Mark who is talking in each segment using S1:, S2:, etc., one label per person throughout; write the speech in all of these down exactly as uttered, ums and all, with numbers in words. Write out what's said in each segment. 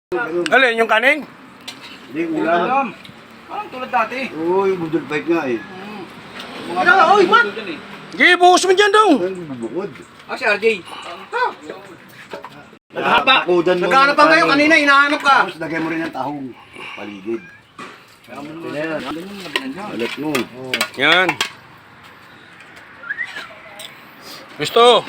S1: Alin, yung kaning?
S2: Hindi, ulam.
S3: Parang tulad dati.
S2: Uy, budol fight nga eh.
S3: Mga Kaya, oy, man!
S1: Sige, buhos mo dyan daw.
S2: Ay, bubukod.
S3: Ah, si R J.
S2: Naghahaba. Takudan mo.
S3: Naghahanap pa kayo kanina, hinahanap ka.
S2: Tapos lagay mo rin ng tahong. Paligid. Alat mo.
S1: Yan. Gusto.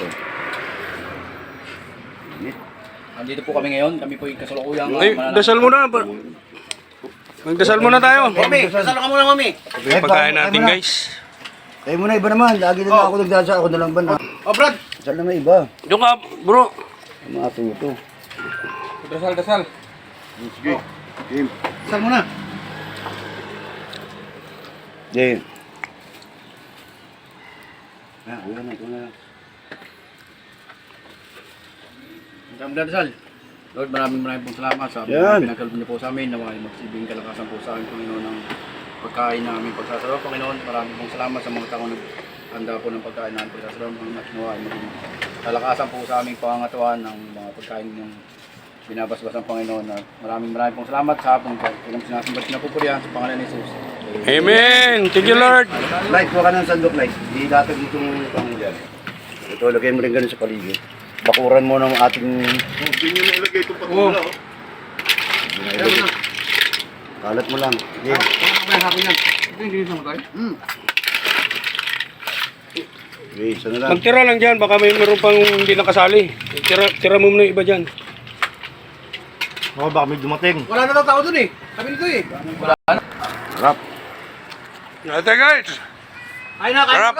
S3: Andito po kami ngayon, kami po yung kasalukuyang.
S1: Ay, dasal muna. Magdasal muna tayo.
S3: Mami, dasal ka muna, mami.
S1: Ito yung pagkain natin, guys.
S2: Kayo muna, iba naman. Lagi na lang ako nagdasa. Ako na lang ba na?
S3: Oh, Brad.
S2: Saan naman iba?
S1: Doon ka, bro.
S2: Mga ato ito.
S3: Dasal, dasal.
S2: Sige. Game.
S3: Dasal muna.
S2: Game. Ah, ulan na, ulan na.
S3: Ang dasal. Lord, maraming maraming pong salamat sa
S2: Yan.
S3: pinagkaloob niyo po sa amin. Naway magsibing kalakasan po sa amin, Panginoon, ng pagkain na aming pagsasarap, Panginoon. Maraming pong salamat sa mga taong naghanda po ng pagkain na aming pagsasarap. At naway maging kalakasan po sa aming pangangatuan ng mga pagkain yung binabasbas ng Panginoon. At maraming maraming pong salamat sa hapong ilang sinasambat na pupurihan sa pangalan ni Jesus.
S1: Amen. Thank you, Lord.
S2: Light, huwag ka ng sandok, light. Di datag dito yung pangin dyan. Ito, lagay mo rin ganun sa paligid. Bakuran mo ng ating...
S4: Oh, hindi nyo nailagay itong patula, oh.
S2: Kalat mo lang. Sige.
S3: Ano ba yung yan? Ito yung ginis naman tayo?
S2: Hmm. Okay, isa na lang.
S1: Magtira lang dyan. Baka may meron pang hindi nakasali. Tira, tira mo muna yung iba dyan.
S4: Oh, baka may dumating.
S3: Wala na daw tao dun eh. Sabi nito eh. Wala na.
S2: Harap.
S1: Ate, guys.
S3: Ay na, kain
S1: Harap.
S3: na